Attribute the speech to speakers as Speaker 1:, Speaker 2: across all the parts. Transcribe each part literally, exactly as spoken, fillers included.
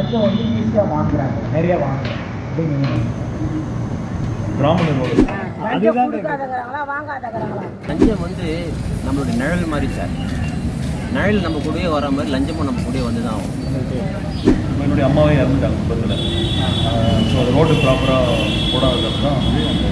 Speaker 1: லஞ்சம் வந்து ஈஸியாக வாங்குறாங்க, நிறைய வாங்குறாங்க அப்படின்னு
Speaker 2: பிராமணர்
Speaker 1: அதுதான்
Speaker 3: லஞ்சம் வந்து நம்மளுடைய நிழல் மாதிரி சார். நிழல் நம்ம கூடவே வர மாதிரி லஞ்சமும் நம்ம கூடவே வந்து தான் ஆகும்.
Speaker 2: என்னுடைய அம்மாவே இறந்துட்டாங்க குடும்பத்தில். ஸோ அது ரோடு ப்ராப்பராக போடாதது தான் வந்து அந்த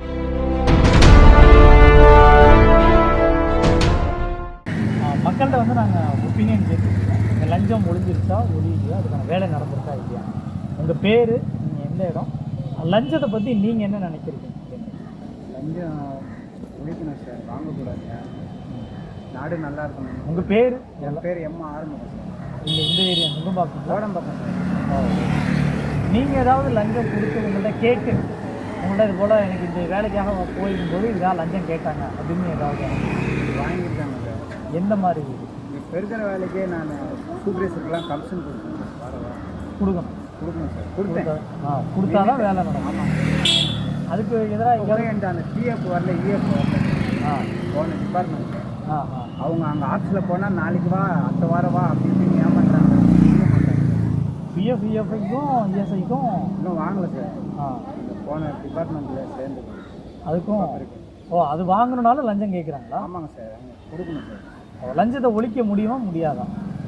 Speaker 1: மக்கள்கிட்ட வந்து நாங்கள் ஒப்பீனியன் கேட்டுருக்கோம். இந்த லஞ்சம் ஒழிஞ்சிருச்சா ஒழியுது, அதுக்கான வேலை நடந்திருக்கா இல்லையா, உங்கள் பேர், நீங்கள் எந்த இடம், லஞ்சத்தை பற்றி நீங்கள் என்ன நினைக்கிறீங்க?
Speaker 4: லஞ்சம் ஒழிக்கணும் சார், வாங்கக்கூடாது, நாடு நல்லா இருக்கணும்.
Speaker 1: உங்கள் பேர்?
Speaker 4: என் பேர் எம் ஆறுமுகம் சார்.
Speaker 1: இந்த இந்த ஏரியா முகம்பாக்கம்
Speaker 4: கோடம்பாக்கம் சார்.
Speaker 1: நீங்கள் ஏதாவது லஞ்சம் கொடுத்து உங்கள்கிட்ட கேட்டு உங்கள்கிட்ட இது போல் எனக்கு இந்த வேலைக்காக போயிருக்கும்போது இதாக லஞ்சம் கேட்டாங்க அப்படின்னு ஏதாவது
Speaker 4: வாங்கியிருக்காங்க சார்?
Speaker 1: எந்த மாதிரி?
Speaker 4: இப்போ இருக்கிற வேலைக்கே நான் சூப்பர்வைசருக்கெல்லாம் கமிஷன் கொடுக்கணும். வர
Speaker 1: கொடுக்கணும்
Speaker 4: கொடுக்கணும் சார். கொடுத்தேன்.
Speaker 1: ஆ கொடுத்தா தான் வேலை நடக்கும். ஆமாம். அதுக்கு எதிராக
Speaker 4: என்கிட்ட அந்த பிஎஃப் வரல, இஎஃப் வரல.
Speaker 1: ஆ
Speaker 4: போன டிபார்ட்மெண்ட்
Speaker 1: ஆ ஆ
Speaker 4: அவங்க அங்கே ஆஃபீஸில் போனால் நாளைக்கு வா, அடுத்த வாரம் வா அப்படி இப்படின்னு ஏமாட்டாங்க.
Speaker 1: பிஎஃப் இஎஃப்ஐக்கும் இஎஸ்ஐக்கும்
Speaker 4: இன்னும் வாங்கலை சார்.
Speaker 1: ஆ
Speaker 4: போன டிபார்ட்மெண்ட்டில் சேர்ந்து
Speaker 1: அதுக்கும் ஓ அது வாங்கணுனாலும் லஞ்சம் கேட்குறாங்களா?
Speaker 4: ஆமாங்க சார், அங்கே கொடுக்கணும் சார்.
Speaker 1: லஞ்சத்தை ஒழிக்க முடியுமா முடியாதா?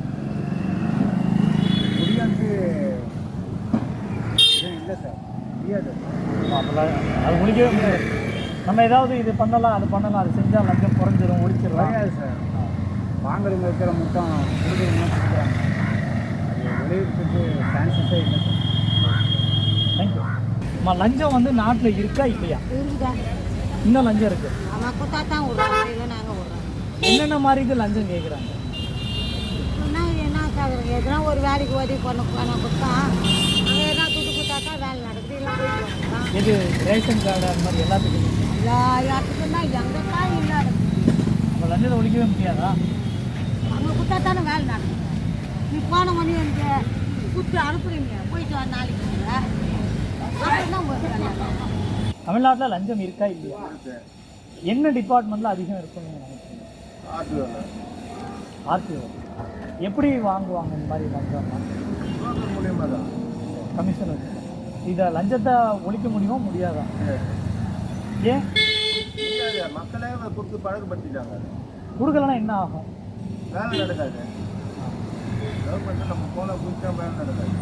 Speaker 4: முடியாது இல்லை சார், முடியாது.
Speaker 1: அது ஒழிக்கவே முடியாது. நம்ம ஏதாவது இது பண்ணலாம் அது பண்ணலாம் அது செஞ்சால் லஞ்சம் குறைஞ்சிடும், ஒழிச்சிடலாம்.
Speaker 4: முடியாது சார். வாங்குறவங்க இருக்கிற மட்டும் கொடுக்குறவங்க கொடுக்குறாங்க. அது விளைவிக்கிறதுக்கு சான்சஸே இல்லை சார்.
Speaker 1: தேங்க்யூ. அம்மா லஞ்சம் வந்து நாட்டில் இருக்கா இல்லையா?
Speaker 5: இருக்குதா?
Speaker 1: இன்னும் லஞ்சம் இருக்குது.
Speaker 5: ஆமாம், கொடுத்தா தான் விடுறாங்க, இல்லை நாங்கள் விடுறோம்.
Speaker 1: என்னென்ன மாதிரி இது லஞ்சம் கேட்குறாங்க?
Speaker 5: என்ன என்ன சார், எதுனா ஒரு வேலைக்கு உதவி பண்ண பணம் கொடுத்தா அங்கே எதனா துட்டு கொடுத்தா தான் வேலை நடக்குது, இல்லை போயிட்டு வரலாம்.
Speaker 1: இது ரேஷன் கார்டு அந்த மாதிரி எல்லாத்துக்கும்
Speaker 5: எல்லா இடத்துக்கும் தான் எங்கே தான் இல்லை நடக்குது.
Speaker 1: நம்ம லஞ்சத்தை ஒழிக்கவே முடியாதா?
Speaker 5: அங்கே கொடுத்தா தானே வேலை நடக்குது. நீ போன மணி எனக்கு கொடுத்து அனுப்புறீங்க, போயிட்டு வர நாளைக்கு அப்புறம் தான் உங்களுக்கு வேலை நடக்கும்.
Speaker 1: தமிழ்நாட்டில் லஞ்சம் இருக்கா இல்லையா? என்ன டிபார்ட்மெண்ட்டில் அதிகம் இருக்குன்னு நினைக்கிறீங்க? ஆர்டிஓ. எப்படி வாங்குவாங்க இந்த மாதிரி லஞ்சம்னா?
Speaker 4: மூலியமாக தான்
Speaker 1: கமிஷன் வச்சு. இதை லஞ்சத்தை ஒழிக்க முடியுமா முடியாதா? ஏன்
Speaker 4: மக்களே கொடுத்து பழக்கப்படுத்திட்டாங்க.
Speaker 1: கொடுக்கலன்னா என்ன ஆகும்?
Speaker 4: வேலை நடக்காது. கவர்மெண்ட்டு நம்ம போன குறிச்சா வேலை நடக்காது.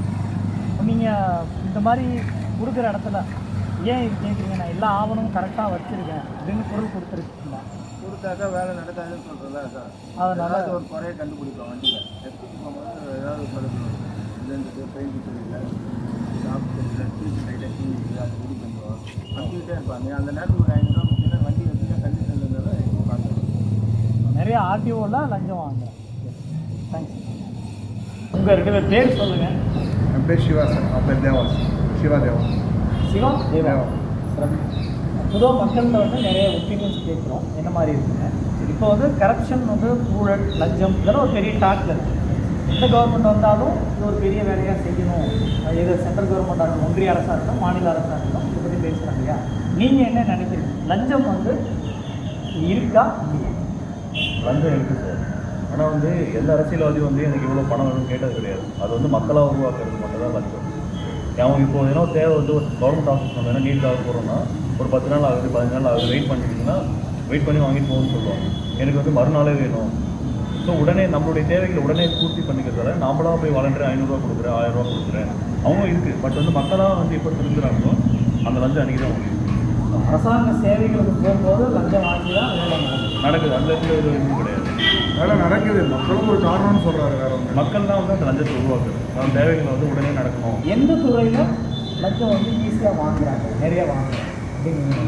Speaker 1: நீங்கள் இந்த மாதிரி கொடுக்குற இடத்துல ஏன் இது கேட்குறீங்க? நான் எல்லா ஆவணமும் கரெக்டாக வச்சுருக்கேன் அப்படின்னு பொருள் கொடுத்துருக்கீங்களா?
Speaker 4: கொடுத்தாக்கா வேலை நடக்காதுன்னு சொல்கிறதா சார்.
Speaker 1: அதனால்
Speaker 4: ஒரு குறையை கண்டுபிடிப்போம் வண்டியில். எடுத்துகிட்டு போகும்போது ஏதாவது பழக்கம் இதுன்றது பெயிண்ட் தெரியல, ஷாப் தெரியல, டீச்சு லைட்டாக டீ அது ரெடி பண்ணுவோம். வந்துக்கிட்டே இருப்பாங்க. அந்த நேரத்தில் ஒரு ஐநூறுரூவா கொடுத்தீங்கன்னா வண்டி வச்சுன்னா கண்டிஷன் இருந்தாலும் பார்த்துருவோம்.
Speaker 1: நிறைய ஆர்டிஓவில் லஞ்சம் வாங்குறேன். தேங்க்ஸ். உங்கள் ரெண்டு பேர் பேர் சொல்லுங்கள்.
Speaker 4: என் பேர் சிவா சார். அவன் பேர் தேவா. சிவா தேவா.
Speaker 1: சிவா தேவா. பொதுவாக மக்கள்கிட்ட வந்து நிறைய ஒப்பீனியன்ஸ் கேட்குறோம், என்ன மாதிரி இருக்குங்க. இப்போ வந்து கரப்ஷன் வந்து ஊழல் லஞ்சம் இதெல்லாம் ஒரு பெரிய டாக்கில் இருக்குது. எந்த கவர்மெண்ட் வந்தாலும் இது ஒரு பெரிய வேலையாக செய்யணும். எது சென்ட்ரல் கவர்மெண்ட்டாக இருக்கணும், ஒன்றிய அரசாக இருக்கணும், மாநில அரசாக இருக்கணும், இதை பற்றி பேசுகிறாங்க இல்லையா? நீங்கள் என்ன நினைக்கிறீங்க? லஞ்சம் வந்து இருக்கா இல்லையா?
Speaker 2: லஞ்சம் இருக்குது சார். ஆனால் வந்து எந்த அரசியல்வாதியும் வந்து எனக்கு இவ்வளோ பணம் வேணும்னு கேட்டது கிடையாது. அது வந்து மக்களாக உருவாக்குறது மட்டும் தான் லஞ்சம். அவன் இப்போ ஏன்னா தேவை வந்து ஒரு கவர்மெண்ட் ஆஃபீஸ் நம்ம என்ன நீட்டாக போகிறோம்னா ஒரு பத்து நாள் ஆகுது, பதினஞ்சு நாள் ஆகுது, வெயிட் பண்ணிட்டீங்கன்னா வெயிட் பண்ணி வாங்கிட்டு போகணும்னு சொல்லுவாங்க. எனக்கு வந்து மறுநாளே வேணும். ஸோ உடனே நம்மளுடைய தேவைகளை உடனே பூர்த்தி பண்ணிக்கிறதால நாமளாக போய் வாலண்டியர் ஐநூறுரூவா கொடுக்குறேன், ஆயிரம் ரூபா கொடுக்குறேன். அவங்க இருக்குது. பட் வந்து மக்களாக வந்து எப்போ திருந்துறாங்களோ அந்த லஞ்சம் அன்றைக்கி தான் முடியும்.
Speaker 1: அரசாங்க சேவைகளுக்கு போகும்போது லஞ்சம் வாங்கி தான் வேலை
Speaker 2: நடக்குது. அந்த இடத்துல ஒரு இதுவும் கிடையாது.
Speaker 4: வேலை நடக்குது. மக்களும் ஒரு காரணம்னு சொல்கிறாரு. வேற ஒன்று
Speaker 2: மக்கள் தான் வந்து அந்த லஞ்சத்தை உருவாக்குது. நம்ம தேவைகளை வந்து உடனே நடக்கணும்.
Speaker 1: எந்த துறையில் லஞ்சம் வந்து ஈஸியாக வாங்குறாங்க, நிறைய வாங்குறாங்க அப்படின்னு?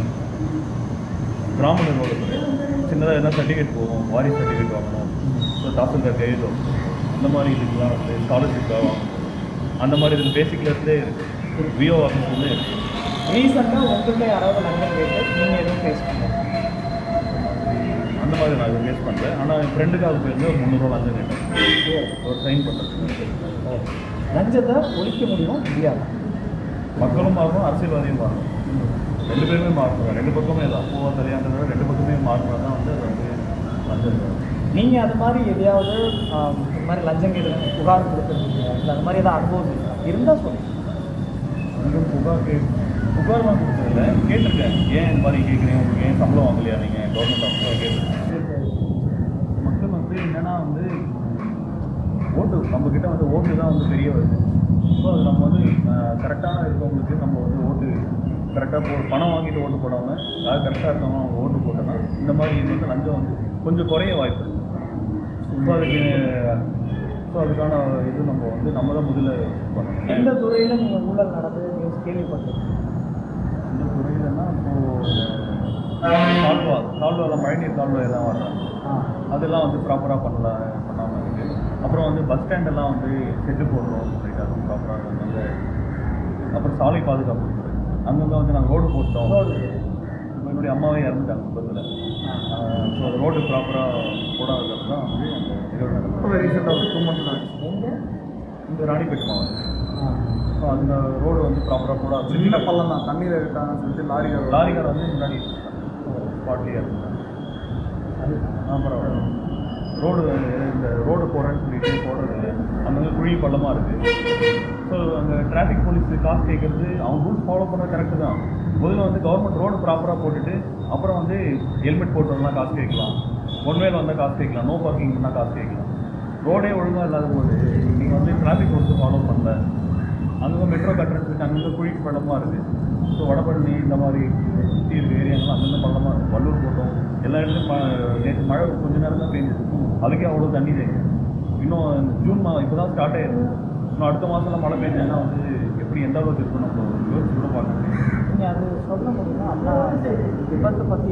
Speaker 2: பிராமணர் துறை சின்னதாக என்ன சர்டிஃபிகேட் போகும், வாரிசு சர்டிஃபிகேட் வாங்கணும், ஸோ தாசில்தார் கையெழுத்து அந்த மாதிரி இதுக்கெலாம் வந்து ஸ்காலர்ஷிப்பாக வாங்கணும். அந்த மாதிரி இதில் பேசிக்லேருந்தே இருக்குது. விஓ ஆஃபீஸ்லேருந்தே இருக்குது.
Speaker 1: ரீசெண்டாக உங்கள்கிட்ட யாராவது லஞ்சம் கேட்டு நீங்கள் எதுவும் ஃபேஸ் பண்ணுறீங்க?
Speaker 2: அந்த மாதிரி நான் எதுவும் ஃபேஸ் பண்ணுறேன். ஆனால் என் ஃப்ரெண்டுக்காக போயிருந்து ஒரு முந்நூறுரூவா லஞ்சம் கேட்டேன் ஒரு சைன் பண்ணுறது.
Speaker 1: லஞ்சத்தை ஒழிக்க முடியும் முடியாது.
Speaker 2: மக்களும் மாறணும், அரசியல்வாதியும் மாறணும். ரெண்டு பேருமே மாறணும். ரெண்டு பக்கமே தான் பூவா சரியானதை ரெண்டு பக்கமே மாறினா தான் வந்து அது வந்து லஞ்சம்
Speaker 1: நீங்கள் அது மாதிரி எதையாவது ஆம், இது மாதிரி லஞ்சம் கேட்டு புகார் கொடுத்துருக்கீங்க இல்லை அது மாதிரி ஏதாவது அனுபவம் இருக்கா? இருந்தால் சொல்லுங்கள்.
Speaker 2: வந்து புகார் கே புகார்லாம் கொடுத்ததில்ல, கேட்டிருக்கேன். ஏன் இந்த மாதிரி கேட்குறீங்க, உங்களுக்கு ஏன் சம்பளம் வாங்கலையா நீங்கள் கவர்மெண்ட் ஆஃபீஸில் கேட்டிருக்கேன். மக்கள் வந்து என்னென்னா வந்து ஓட்டு நம்மக்கிட்ட வந்து ஓட்டு தான் வந்து பெரிய வருது. ஸோ அது நம்ம வந்து கரெக்டான இருக்கவங்களுக்கு நம்ம வந்து ஓட்டு கரெக்டாக போ பணம் வாங்கிட்டு ஓட்டு போடாமல் யார் கரெக்டாக இருக்கவங்க அவங்க ஓட்டு போட்டோன்னா இந்த மாதிரி இது வந்து லஞ்சம் வந்து கொஞ்சம் குறைய வாய்ப்பு இருக்குது. ஸோ அதுக்கு ஸோ அதுக்கான இது நம்ம வந்து நம்ம தான் முதல்ல பண்ணணும்.
Speaker 1: எந்த துறையில் நீங்கள் ஊழல் நடந்தது நீங்கள் கேள்விப்பட்டிருக்கீங்க?
Speaker 2: இந்த துறையிலன்னா இப்போது கால்வா கால்வாவில் மழைநீர் கால்வா எல்லாம் வர்றாங்க,
Speaker 1: ஆ
Speaker 2: அதெல்லாம் வந்து ப்ராப்பராக பண்ணல பண்ணாமல் இருக்குது. அப்புறம் வந்து பஸ் ஸ்டாண்டெல்லாம் வந்து செட்டு போடுறோம் சொல்லிட்டு அதுவும் ப்ராப்பராக வந்து. அப்புறம் சாலை பாதுகாப்பு துறை அங்கங்கே வந்து நாங்கள் ரோடு போட்டோம். இப்போ என்னுடைய அம்மாவே இறந்துட்டாங்க விபத்தில். ஸோ அது ரோடு ப்ராப்பராக போடாதது தான் வந்து அந்த நிகழ்வு நடந்தது.
Speaker 4: ரீசெண்டாக ஒரு டூ மந்த்ஸ் ஆச்சு.
Speaker 1: எங்கே?
Speaker 2: இந்த ராணிப்பேட் மாவட்டம்.
Speaker 1: ஆ
Speaker 2: ஸோ அந்த ரோடு வந்து ப்ராப்பராக போடாது.
Speaker 4: சின்ன பள்ளம் தான், தண்ணியில் இருக்காங்கன்னு சொல்லிட்டு லாரிக்கார
Speaker 2: லாரிக்கார வந்து முன்னாடி ஸ்பாட்லேயே இருந்தாங்க. அப்புறம் ரோடு இந்த ரோடு போடுறேன்னு சொல்லிட்டு போடுறது இல்லை, அங்கங்கே குழி பள்ளமாக இருக்குது. ஸோ அங்கே டிராஃபிக் போலீஸ் காசு கேட்குறது அவங்க ரூல்ஸ் ஃபாலோ பண்ணுறது கரெக்டு தான். முதல்ல வந்து கவர்மெண்ட் ரோடு ப்ராப்பராக போட்டுட்டு அப்புறம் வந்து ஹெல்மெட் போட்டு வரலாம் காசு கேட்கலாம், ஒன் வேல வந்தால் காசு கேட்கலாம், நோ பார்க்கிங் பண்ணால் காசு கேட்கலாம். ரோடே ஒழுங்காக இல்லாத போது நீங்கள் வந்து டிராஃபிக் ரூல்ஸ் ஃபாலோ பண்ணல. அங்கே மெட்ரோ கட்டுறதுக்கு அங்கங்கே குழி பள்ளமாக இருக்குது. ஸோ வடபழனி இந்த மாதிரி சுற்றி இருக்க ஏரியாங்கெல்லாம் அங்கங்கே பள்ளமாக இருக்குது. வள்ளூர் போட்டோம் எல்லா இடத்துலையும் நேற்று மழை கொஞ்ச நேரம் தான் பெய்யுது, அதுக்கே அவ்வளோ தண்ணி தேங்கும். இன்னும் ஜூன் மா இப்போ தான் ஸ்டார்ட் ஆயிடுது. இன்னும் அடுத்த மாதம்லாம் மழை பெய்ஞ்சதுன்னா வந்து எப்படி எந்த அளவுக்கு இருக்கும் நம்ம யோசிச்சு கூட பார்க்க முடியும்.
Speaker 1: நீங்கள் அது சொல்ல முடியுமா? அண்ணா விபத்தை பற்றி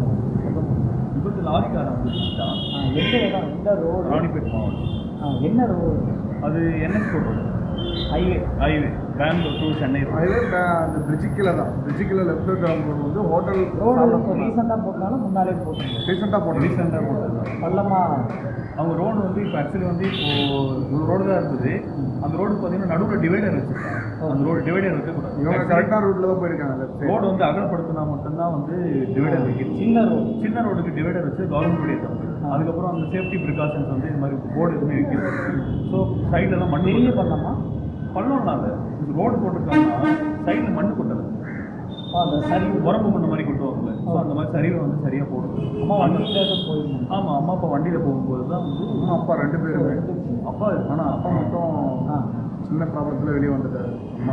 Speaker 2: விபத்து லாரிக்காரன் வந்து தான்
Speaker 1: ஆ எந்த இடம், எந்த ரோடு?
Speaker 2: ராணிப்பேட் மாவட்டம்.
Speaker 1: ஆ என்ன ரோடு?
Speaker 2: அது NS road,
Speaker 1: highway.
Speaker 2: Highway Bangalore to Chennai road.
Speaker 4: அதிலே அந்த பிரிட்ஜு கீழே தான், பிரிட்ஜு கீழே லெஃப்ட் கிளம்புறது வந்து ஹோட்டல்
Speaker 1: ரோடு இப்போ ரீசெண்டாக போட்டாலும் முன்னாலே போட்டுருங்க.
Speaker 4: ரீசெண்டாக போட்டு
Speaker 2: ரீசெண்டாக போட்டது தான்.
Speaker 1: பள்ளமாக
Speaker 2: அவங்க ரோடு வந்து இப்போ ஆக்சுவலி வந்து இப்போது ஒரு ரோடு தான் இருந்தது. அந்த ரோடு பார்த்தீங்கன்னா நடுவில் டிவைடர் வச்சுருக்காங்க. அந்த ரோடு டிவைடர்
Speaker 4: இவங்க
Speaker 2: இருக்கக்கூடாது.
Speaker 4: கரெக்டான ரூட்டில் தான் போயிருக்காங்க. லெஃப்ட் சைடு
Speaker 2: ரோடு வந்து அகலப்படுத்தினா மட்டும்தான் வந்து டிவைடர் வைக்கிறது.
Speaker 1: சின்ன ரோடு.
Speaker 2: சின்ன ரோடுக்கு டிவைடர் வச்சு கவர்மெண்ட் தப்பு. அதுக்கப்புறம் அந்த சேஃப்டி ப்ரிகாஷன்ஸ் வந்து இந்த மாதிரி போர்டு எதுவுமே வைக்கிறது. ஸோ சைடெல்லாம் மண்
Speaker 1: பெரிய பள்ளமா?
Speaker 2: பள்ளம்லாம் இல்லை, ரோடு போட்டிருக்காங்கன்னா சைடில் மண் கொட்டலை.
Speaker 1: அந்த சரி
Speaker 2: உரம்பு மண்ணு மாதிரி கொட்டுவாங்கல்ல. ஸோ அந்த மாதிரி சரிவை வந்து சரியாக போடுது.
Speaker 1: அம்மா வண்டியில் தான் போயிருந்தோம்.
Speaker 2: ஆமாம், அம்மா அப்பா வண்டியில் போகும்போது தான் வந்து
Speaker 4: அம்மா அப்பா ரெண்டு பேருமே.
Speaker 2: அப்பா ஆனால் அப்பா மட்டும்
Speaker 1: ஆ
Speaker 4: சின்ன ப்ராப்ளத்தில் வெளியே வந்துட்டாரு.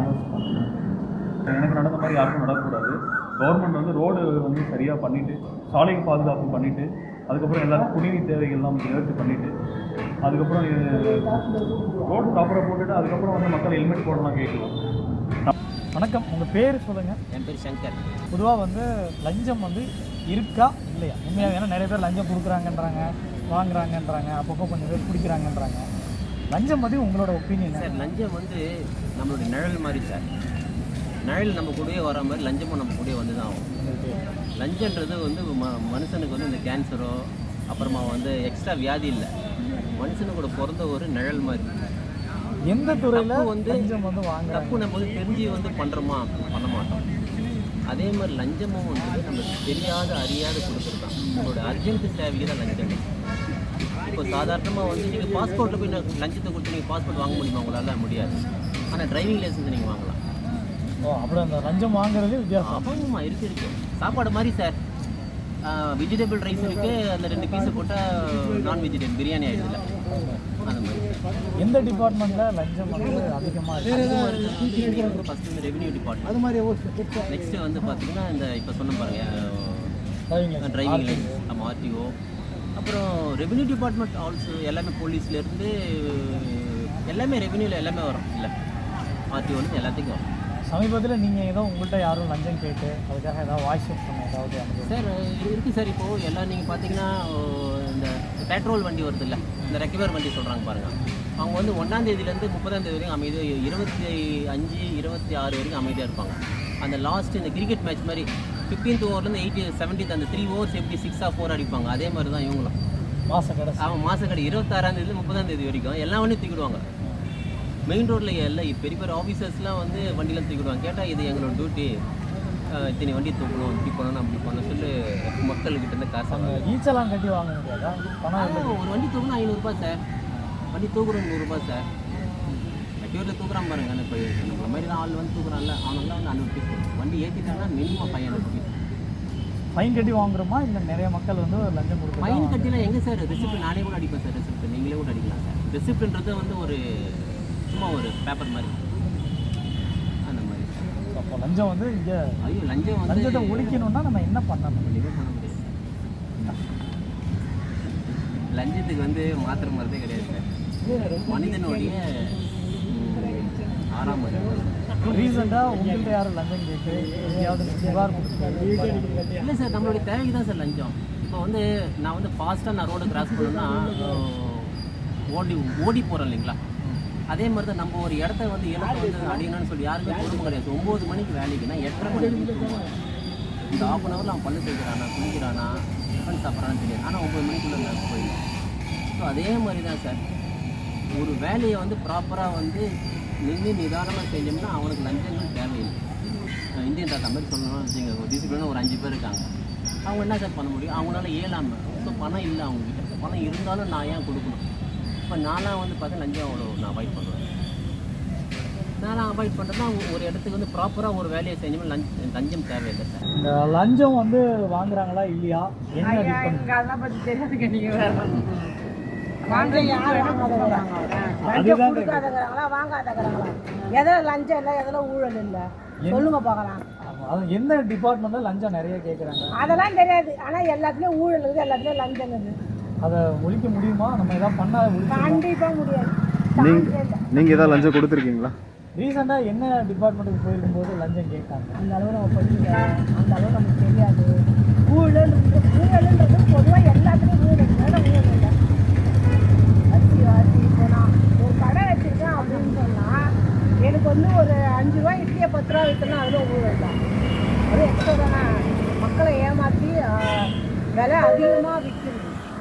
Speaker 2: எனக்கு நடந்த மாதிரி யாருக்கும் நடக்கக்கூடாது. கவர்மெண்ட் வந்து ரோடு வந்து சரியாக பண்ணிவிட்டு சாலை பாதுகாப்பு பண்ணிவிட்டு அதுக்கப்புறம் எல்லாரும் குடிநீர் தேவைகள்லாம் நிவர்த்தி பண்ணிவிட்டு அதுக்கப்புறம் ரோடு ப்ராப்பராக போட்டுட்டு அதுக்கப்புறம் வந்து மக்கள் ஹெல்மெட் போடலாம் கேட்கலாம்.
Speaker 1: வணக்கம், உங்கள் பேர் சொல்லுங்கள்.
Speaker 3: என் பேர் சங்கர்.
Speaker 1: பொதுவாக வந்து லஞ்சம் வந்து இருக்கா இல்லையா உண்மையாக? ஏன்னா நிறைய பேர் லஞ்சம் கொடுக்குறாங்கன்றாங்க, வாங்குறாங்கன்றாங்க, அப்பப்போ கொஞ்சம் பேர் பிடிக்கிறாங்கன்றாங்க. லஞ்சம் பற்றி உங்களோட ஒப்பீனியன்?
Speaker 3: சார் லஞ்சம் வந்து நம்மளுடைய நிழல் மாதிரி சார். நிழல் நம்ம கூடயே வர மாதிரி லஞ்சமும் நம்ம கூடயே வந்து தான் ஆகும். லஞ்சன்றது வந்து ம மனுஷனுக்கு வந்து இந்த கேன்சரோ அப்புறமா வந்து எக்ஸ்ட்ரா வியாதி இல்லை, மனுஷனு கூட பிறந்த ஒரு நிழல் மாதிரி.
Speaker 1: எந்த துறையில்
Speaker 3: தப்பு வந்து
Speaker 1: லஞ்சம் வந்து வாங்குறாங்க?
Speaker 3: தப்பு நம்ம வந்து தெரிஞ்சு வந்து பண்ணுறோமா பண்ண மாட்டோம். அதே மாதிரி லஞ்சமும் வந்து நம்ம தெரியாத அறியாத கொடுத்துருக்கான். நம்மளோட அர்ஜென்ட் தேவைக்கு தான் லஞ்சம். இப்போ சாதாரணமாக வந்து நீங்கள் பாஸ்போர்ட்டில் போய் நான் லஞ்சத்தை கொடுத்து நீங்கள் பாஸ்போர்ட் வாங்க முடியுமா? உங்களால் முடியாது. ஆனால் டிரைவிங் லைசன்ஸ் நீங்கள் வாங்கலாம்.
Speaker 1: ஓ அப்படி அந்த லஞ்சம் வாங்குறது வித்தியாசம்.
Speaker 3: ஆமாம்மா இருக்குது இருக்குது. சாப்பாடு மாதிரி சார், வெஜிடபிள் ரைஸ் இருக்குது, அந்த ரெண்டு பீஸை போட்டால் நான் வெஜிடேரியன் பிரியாணி ஆகிடுதுல அந்த மாதிரி.
Speaker 1: எந்த டிபார்ட்மெண்ட்டில் லஞ்சம் வந்து அதிகமாக இருக்குது?
Speaker 3: ஃபஸ்ட்டு வந்து ரெவென்யூ டிபார்ட்மெண்ட்,
Speaker 1: அது மாதிரி
Speaker 3: நெக்ஸ்ட்டு வந்து பார்த்தீங்கன்னா இந்த இப்போ சொன்ன பாருங்கள்
Speaker 1: டிரைவிங்
Speaker 3: டிரைவிங் லைசன்ஸ், நம்ம ஆர்டிஓ, அப்புறம் ரெவென்யூ டிபார்ட்மெண்ட் ஆல்சோ எல்லாமே போலீஸ்லேருந்து எல்லாமே ரெவென்யூவில் எல்லாமே வரும் இல்லை, ஆர்டிஓலேருந்து எல்லாத்துக்கும் வரும்.
Speaker 1: சமீபத்தில் நீங்கள் ஏதோ உங்கள்கிட்ட யாரும் லஞ்சம் கேட்டு அதுக்காக ஏதாவது வாய்ஸ் பண்ண ஏதாவது அனுபவம்?
Speaker 3: சார் இருக்குது சார். இப்போது எல்லாம் நீங்கள் பார்த்தீங்கன்னா இந்த பெட்ரோல் வண்டி வருது இல்லை, இந்த ரெக்கவர் வண்டி சொல்கிறாங்க பாருங்கள், அவங்க வந்து ஒன்றாந்தேதியிலேருந்து முப்பதாந்தேதி வரைக்கும் அமைதி, இருபத்தி அஞ்சு இருபத்தி ஆறு வரைக்கும் அமைதியாக இருப்பாங்க. அந்த லாஸ்ட் இந்த கிரிக்கெட் மேட்ச் மாதிரி ஃபிஃப்டீன்த் ஓவர்லேருந்து எயிட்டி செவன்டீன்த் அந்த த்ரீ ஓவர்ஸ் எப்படி சிக்ஸ் ஆஃப் ஃபோர் அடிப்பாங்க, அதே மாதிரி தான் இவங்களும்
Speaker 1: மாதம் கடை.
Speaker 3: அவன் மாதம் கடை இருபத்தாறாந்தேதி முப்பதாந்தேதி வரைக்கும் எல்லா வண்டியும் தூக்கிடுவாங்க. மெயின் ரோட்டில் எல்லாம் பெரிய பெரிய ஆஃபீஸர்ஸ்லாம் வந்து வண்டியில் தூக்கிடுவாங்க. கேட்டால் இது எங்களோட டியூட்டி, இத்தனை வண்டி தூக்கணும் இப்படி பண்ணணும் அப்படி பண்ணணும் சொல்லி மக்கள்கிட்ட இருந்து காசு
Speaker 1: அந்த
Speaker 3: வாங்க.
Speaker 1: ஈச்செல்லாம் கட்டி வாங்க முடியாதா பணம்
Speaker 3: ஆ,
Speaker 1: இல்லை.
Speaker 3: ஒரு வண்டி தூக்கணும் ஐநூறுரூபா சார், வண்டி தூக்குறோம் நூறுரூபா சார். வெட்டியூரில் தூக்குறான் பாருங்க, இப்போ நம்மள மாதிரி தான் ஆள் வந்து தூக்குறான்ல, அவனுக்குலாம் வந்து ஐநூறு பீஸ் வண்டி ஏற்றிட்டாங்கன்னா minimum five hundred piece
Speaker 1: fine கட்டி வாங்குறோமா இல்லை நிறைய மக்கள் வந்து லஞ்சம் கொடுத்து
Speaker 3: ஃபைன் கட்டிலாம் எங்கே சார் ரெசிப்ட் நானே கூட அடிப்பேன் சார், ரெசிப்ட் நீங்களே கூட அடிக்கலாம் சார். ரெசிப்ட்ன்றது வந்து ஒரு சும்மா ஒரு பேப்பர் மாதிரி அந்த மாதிரி சார்.
Speaker 1: அப்போ லஞ்சம் வந்து இங்கே
Speaker 3: ஐயோ லஞ்சம் வந்து
Speaker 1: லஞ்சத்தை ஒழிக்கணும்னா நம்ம என்ன பண்ணணும்?
Speaker 3: ஒன்றுமே பண்ண முடியாது சார். லஞ்சத்துக்கு வந்து மாத்திர மருந்தே கிடையாது சார், மனிதனுடைய ம், ஆறாம் அறிவு.
Speaker 1: ரீசெண்டாக உங்கள்கிட்ட யாரும் லஞ்சம் கேட்டு எங்கேயாவது புகார் கொடுத்து
Speaker 3: இல்லை சார், நம்மளுடைய தேவைக்கு தான் சார் லஞ்சம். இப்போ வந்து நான் வந்து ஃபாஸ்ட்டாக நான் ரோடு கிராஸ் பண்ணணும்னா ஓடி ஓடி போகிறேன் இல்லைங்களா, அதே மாதிரி தான் நம்ம ஒரு இடத்த வந்து எனக்கு வந்து அடிக்கணும்னு சொல்லி யாருமே பொறுப்பு கிடையாது. ஒம்பது மணிக்கு வேலைக்குன்னா எட்டரை மணிக்கு தூங்குவேன். இந்த ஆஃப் அன் ஹவரில் அவன் பல்லு தேய்க்கிறானா குளிக்கிறானா டிஃபன் சாப்பிட்றான்னு தெரியாது, ஆனால் ஒம்பது மணிக்குள்ளே நான் போயிடுவேன். ஸோ அதே மாதிரி தான் சார், ஒரு வேலையை வந்து ப்ராப்பராக வந்து நின்று நிதானமாக செஞ்சோம்னா அவனுக்கு லஞ்சங்கள் தேவையில்லை. இந்தியன் தாத்தா மாதிரி சொல்லணும்னு வச்சுங்க, ஒரு டிசிப்ளினாக ஒரு அஞ்சு பேர் இருக்காங்க, அவங்க என்ன சார் பண்ண முடியும், அவங்களால இயலாமல். ஸோ பணம் இல்லை அவங்கக்கிட்ட, பணம் இருந்தாலும் நான் ஏன் கொடுக்கணும்? இப்போ நான்லாம் வந்து பார்த்தா லஞ்சம் அவ்வளோ நான் அவாய்ட் பண்ணுவேன். நான்லாம் அவாய்ட் பண்ணுறேன்னா ஒரு இடத்துக்கு வந்து ப்ராப்பராக ஒரு வேலையை செஞ்சோம்னா லஞ்சம் லஞ்சம் தேவையில்லை சார்.
Speaker 1: இந்த லஞ்சம் வந்து வாங்குறாங்களா இல்லையா, என்ன டிஃபரெண்ட்?
Speaker 5: அதெல்லாம் பற்றி தெரியாதுங்க. நீங்கள் வேறு லஞ்சம் யார் வாங்காதவராங்க? லஞ்சம்
Speaker 1: அதுதான்
Speaker 5: கொடுக்காதவராங்களா வாங்காதவராங்களா? எதில் லஞ்சம் இல்லை, எதில் ஊழல் இல்லை சொல்லுங்க பார்க்கலாம்.
Speaker 1: அது எந்த டிபார்ட்மெண்ட்டில் லஞ்சம் நிறைய கேட்குறாங்க?
Speaker 5: அதெல்லாம் தெரியாது, ஆனால் எல்லாத்துலேயும் ஊழல் இருக்குது, எல்லாத்துலேயும் லஞ்சம் இருக்குது.
Speaker 1: அதை ஒழிக்க முடியுமா? நம்ம எதாவது பண்ணால்
Speaker 5: கண்டிப்பாக முடியாது.
Speaker 4: நீங்கள் ஏதாவது லஞ்சம் கொடுத்துருக்கீங்களா?
Speaker 1: ரீசெண்டாக என்ன டிபார்ட்மெண்ட்டுக்கு போயிருக்கும்போது லஞ்சம் கேட்டாங்க?
Speaker 5: அந்த அளவு நம்ம படிக்கல, அந்த அளவு நமக்கு தெரியாது. ஊழல் ஊழல்ன்றது பொதுவாக எல்லாத்துலேயும் ஊழல் மேலே ஊழல் இல்லை. அரிசி அரிசி இப்போ நான் ஒரு கடை வச்சுருக்கேன் அப்படின்னு சொன்னால் எனக்கு வந்து ஒரு அஞ்சு ரூபா இட்லியை பத்து ரூபா விற்றுனா அதில் ஊழல் தான். அது எக்ஸ்ட்ரா தானே, மக்களை ஏமாற்றி விலை அதிகமாக விற்கிறது.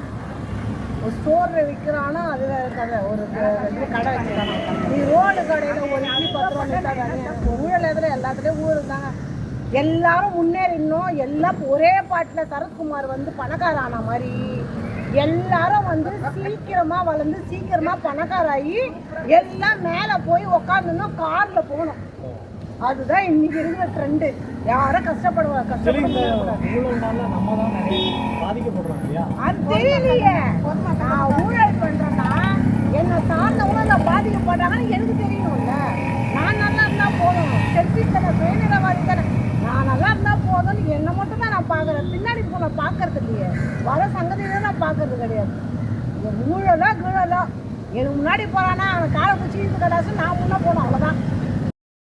Speaker 5: ஒரு ஸ்டோரில் விற்கிறான்னா அது வேறு கதை. ஒரு இது கடை வச்சுருக்காங்க, நீ ரோடு கடையில் ஒரு இட்லி பத்து ரூபா விற்றா தானே ஊழல். எதில் எல்லாத்துலேயும் ஊழல் தாங்க. எல்லாரும் முன்னேறினோம், எல்லாம் ஒரே பாட்டில் சரத்குமார் வந்து பணக்கார ஆன மாதிரி எல்லாரும் வந்து சீக்கிரமாக வளர்ந்து சீக்கிரமாக பணக்காராகி எல்லாம் மேலே போய் உக்காந்துனோம், காரில் போகணும். அதுதான் இன்னைக்கு இருக்கிற ட்ரெண்டு. யாரும் கஷ்டப்படுவாங்க கஷ்டப்படுவாங்க
Speaker 1: ஊழல்னால நம்ம தான் நிறைய பாதிக்கப்படுறோம் இல்லையா?
Speaker 5: அது தெரியலையே. நான் ஊழல் பண்ணுறேன்னா என்னை சார்ந்தவங்க நான் பாதிக்கப்படுறாங்கன்னு எனக்கு தெரியணும்ல. நான் நல்லா இருந்தால் போதும், செல்ஃபி தானே, சுயநிலவாதி தானே, நான் நல்லா இருந்தால் போதும்னு என்னை மட்டும் தான் நான் பார்க்குறேன். பின்னாடி இப்போ நான் பார்க்கறது இல்லையே, வர சங்கதியில நான் பார்க்கறது கிடையாது. ஊழலோ கீழலோ எனக்கு முன்னாடி போகிறான்னா அவன் காலை பிடிச்சி இது கடாசு நான் முன்னே போகணும், அவ்வளோதான்.